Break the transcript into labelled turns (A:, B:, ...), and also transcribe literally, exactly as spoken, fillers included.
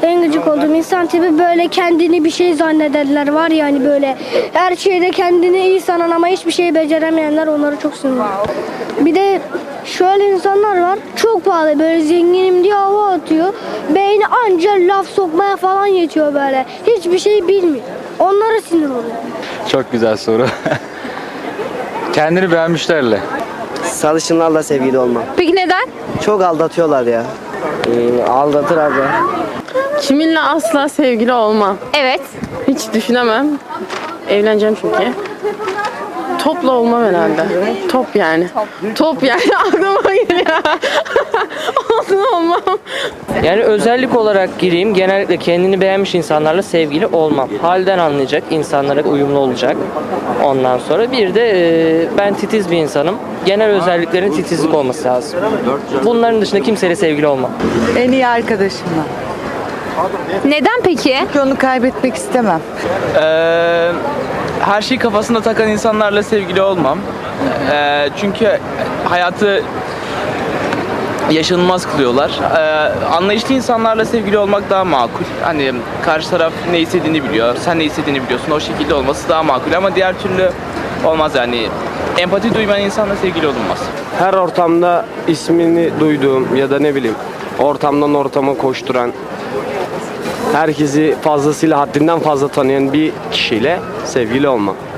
A: En gıcık olduğum insan tipi böyle kendini bir şey zannederler var ya hani böyle her şeyde kendini iyi sanan ama hiçbir şey beceremeyenler, onları çok seviyorum. Bir de şöyle insanlar var, çok pahalı böyle zenginim diye hava atıyor. Beyni anca laf sokmaya falan yetiyor böyle. Hiçbir şey bilmiyor. Onlara sinir oluyor.
B: Çok güzel soru. Kendini beğenmişlerle.
C: Sarışınlarla sevgili olmam.
D: Peki neden?
C: Çok aldatıyorlar ya. Ee, aldatır abi.
E: Kiminle asla sevgili olmam.
D: Evet.
E: Hiç düşünemem. Evleneceğim çünkü. Topla olmam herhalde. Top yani. Top yani aklıma geliyor. Olsun olmam.
F: Yani özellik olarak gireyim, genellikle kendini beğenmiş insanlarla sevgili olmam. Halden anlayacak, insanlara uyumlu olacak. Ondan sonra bir de e, ben titiz bir insanım. Genel özelliklerin titizlik olması lazım. Bunların dışında kimseyle sevgili olmam.
G: En iyi arkadaşımla.
D: Neden peki?
G: Onu kaybetmek istemem.
H: Ee, her şeyi kafasında takan insanlarla sevgili olmam. Ee, çünkü hayatı yaşanılmaz kılıyorlar. Ee, anlayışlı insanlarla sevgili olmak daha makul. Hani karşı taraf ne istediğini biliyor, sen ne istediğini biliyorsun. O şekilde olması daha makul ama diğer türlü olmaz yani. Empati duymayan insanla sevgili olunmaz.
I: Her ortamda ismini duyduğum ya da ne bileyim ortamdan ortama koşturan, herkesi fazlasıyla haddinden fazla tanıyan bir kişiyle sevgili olmam.